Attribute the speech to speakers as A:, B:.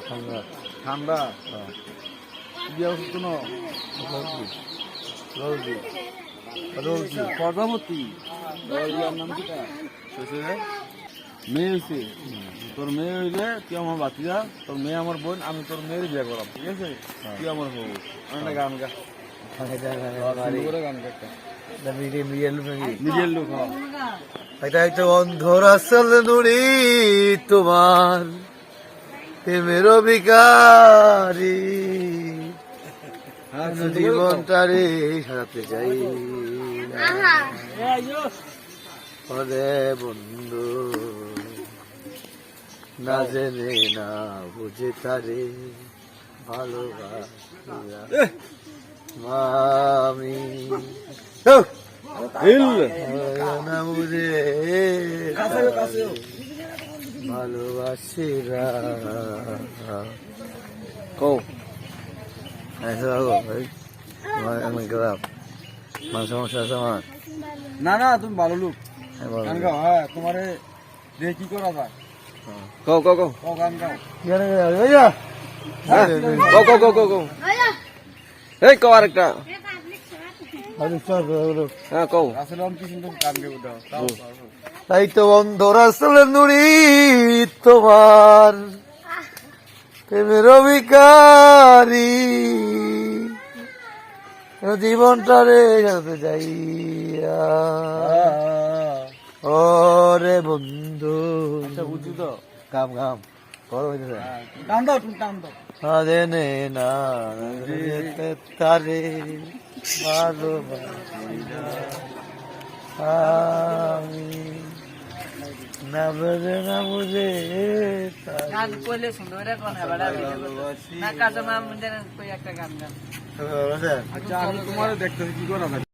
A: ঠান্ডা
B: ঠান্ডা
A: হ্যাঁ
B: বিয়ে হচ্ছে কোনো
A: রোজি
B: রোজি প্রজাপতি বিয়ার নাম কিটা মেয়ে হয়েছে তোর মেয়ে হইলে তুই আমার বাতিজা তোর মেয়ে আমার বোন আমি তোর মেয়ের বিয়ে করাম ঠিক আছে তুই আমার হবু একটা গান গা সুন্দর করে গান গা একটা নিজের লোক হ্যাঁ
A: এটা একটা অন্ধর আসল নুড়ি তোমার প্রেমের বিকারি জীবনটারে সাজাতে চাই ওরে বন্ধু না জেনে না বুঝে তারে ভালোবাসা মামি না বুঝে ভালোবাসিরা কো আমি খারাপ মান সমস্যা আছে আমার
B: না না তুমি ভালো লোক গান গাও হ্যাঁ তোমারে দিয়ে কি করা যায়
A: কও কও কও
B: ও গান গাও
A: কও কও কও কও এই কও আরেকটা হ্যাঁ কও
B: আসলে আমি কি সুন্দর গান গাবো দাও তাও
A: তাই তো অন্ধর আসলে নুড়ি তোমার প্রেমের বিকারি জীবনটারে যাতে যাই ওরে বন্ধু
B: আচ্ছা বুঝছি তো
A: কাম কাম করো হইতেছে
B: টান দাও তুমি টান দাও
A: আদেনে না তারে ভালোবাসি না আমি না বুঝে না বুঝে
C: গান কইলে সুন্দর করে কোন হবে না কাজে মাম দেন কই একটা গান গান
B: আচ্ছা আমি তোমারে দেখতেছি কি করা যায়